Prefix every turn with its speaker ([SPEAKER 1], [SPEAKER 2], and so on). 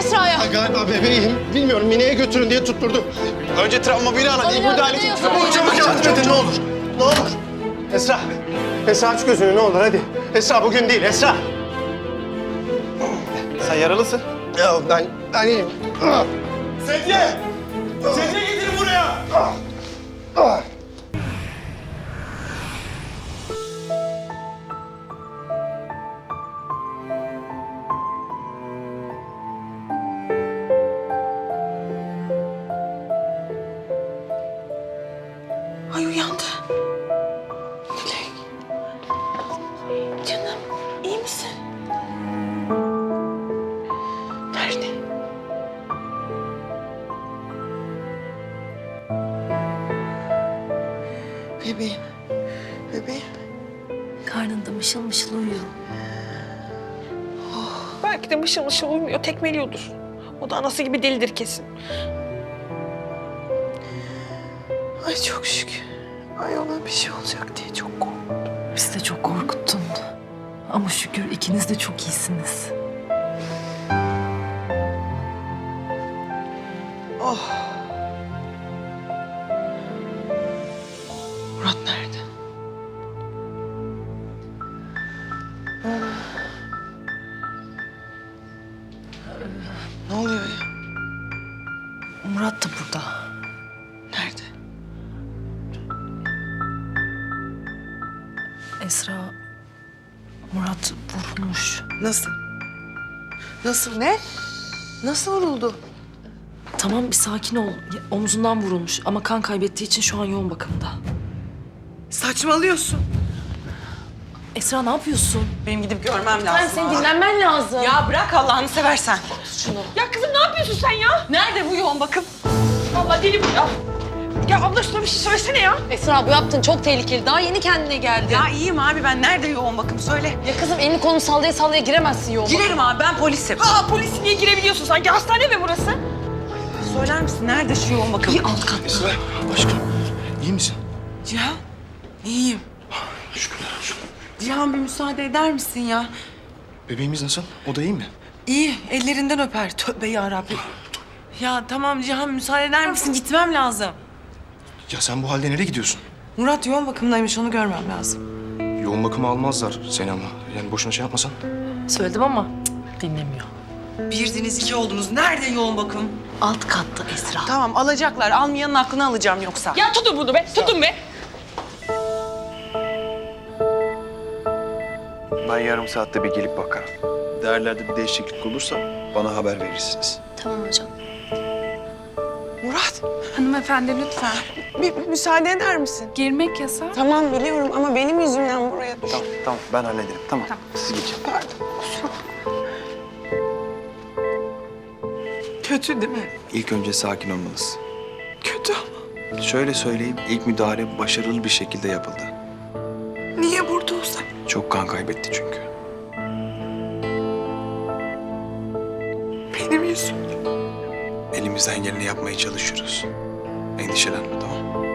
[SPEAKER 1] Esra'ya.
[SPEAKER 2] Galiba bebeğim. Bilmiyorum, Mine'ye götürün diye tutturdu. Önce travma biri ara. İyi müdahale edin. Çabuk yardım edin ne olur. Ne olur. Esra. Esra aç gözünü ne olur hadi. Esra bugün değil Esra. Sen yaralısın. Ya ben iyiyim.
[SPEAKER 3] Sedye! Sedye getirin buraya!
[SPEAKER 4] Ay uyandı. Dilek. Canım iyi misin? Nerede? Bebeğim. Bebeğim.
[SPEAKER 1] Karnında mışıl mışıl uyuyor.
[SPEAKER 5] Belki de mışıl mışıl uyumuyor, tekmeliyordur. O da anası gibi delidir kesin.
[SPEAKER 4] Ay çok şükür. Ay ona bir şey olacak diye çok korktum.
[SPEAKER 1] Bizi de çok korkuttun. Ama şükür ikiniz de çok iyisiniz.
[SPEAKER 4] Oh. Murat nerede? Ne oluyor ya?
[SPEAKER 1] Murat da burada.
[SPEAKER 4] Nerede?
[SPEAKER 1] Esra, Murat vurulmuş.
[SPEAKER 4] Nasıl? Nasıl? Ne? Nasıl vuruldu?
[SPEAKER 1] Tamam bir sakin ol. Omzundan vurulmuş ama kan kaybettiği için şu an yoğun bakımda.
[SPEAKER 4] Saçmalıyorsun.
[SPEAKER 1] Esra ne yapıyorsun?
[SPEAKER 4] Benim gidip görmem lazım.
[SPEAKER 5] Senin dinlenmen lazım.
[SPEAKER 4] Ya bırak Allah'ını seversen.
[SPEAKER 5] Ya kızım ne yapıyorsun sen ya?
[SPEAKER 4] Nerede bu yoğun bakım?
[SPEAKER 5] Vallahi deli bu ya. Ya abla şuna bir şey söylesene ya.
[SPEAKER 6] Esra bu yaptığın çok tehlikeli. Daha yeni kendine geldi.
[SPEAKER 4] Ya iyiyim abi ben. Nerede yoğun bakım? Söyle.
[SPEAKER 6] Ya kızım elini kolunu sallaya sallaya giremezsin yoğun bakıma.
[SPEAKER 4] Girerim abi ben polisim.
[SPEAKER 5] Aa polis niye girebiliyorsun sanki? Hastane mi burası?
[SPEAKER 4] Söyler misin nerede şu yoğun bakım?
[SPEAKER 1] Bir alt kat.
[SPEAKER 2] Esra aşkım iyi misin?
[SPEAKER 4] Cihan. İyiyim.
[SPEAKER 2] Şükürler olsun.
[SPEAKER 4] Cihan bir müsaade eder misin ya?
[SPEAKER 2] Bebeğimiz nasıl? O da iyi mi?
[SPEAKER 4] İyi. Ellerinden öper. Tövbe yarabbim. Ya tamam Cihan müsaade eder misin? Gitmem lazım.
[SPEAKER 2] Ya sen bu halde nereye gidiyorsun?
[SPEAKER 4] Murat yoğun bakımdaymış. Onu görmem lazım.
[SPEAKER 2] Yoğun bakıma almazlar seni ama. Yani boşuna şey yapmasan.
[SPEAKER 1] Söyledim ama dinlemiyor.
[SPEAKER 4] Birdiniz iki oldunuz. Nerede yoğun bakım?
[SPEAKER 1] Alt katta Esra.
[SPEAKER 4] Tamam alacaklar. Almayanın aklını alacağım yoksa.
[SPEAKER 5] Ya tutun bunu be, tutun be.
[SPEAKER 7] Ben yarım saatte bir gelip bakarım. Değerlerde bir değişiklik olursa bana haber verirsiniz.
[SPEAKER 6] Tamam hocam.
[SPEAKER 4] Murat.
[SPEAKER 8] Hanımefendi lütfen.
[SPEAKER 4] Bir müsaade eder misin?
[SPEAKER 8] Girmek yasak.
[SPEAKER 4] Tamam biliyorum ama benim yüzümden buraya düştü.
[SPEAKER 7] Tamam, tamam. Ben hallederim. Tamam. Siz geçin.
[SPEAKER 4] Kötü değil mi?
[SPEAKER 7] İlk önce sakin olmalısın.
[SPEAKER 4] Kötü ama.
[SPEAKER 7] Şöyle söyleyeyim, ilk müdahale başarılı bir şekilde yapıldı.
[SPEAKER 4] Niye burada olsak?
[SPEAKER 7] Çok kan kaybetti çünkü.
[SPEAKER 4] Benim yüzümden.
[SPEAKER 7] Elimizden geleni yapmaya çalışıyoruz. Endişelenme, tamam?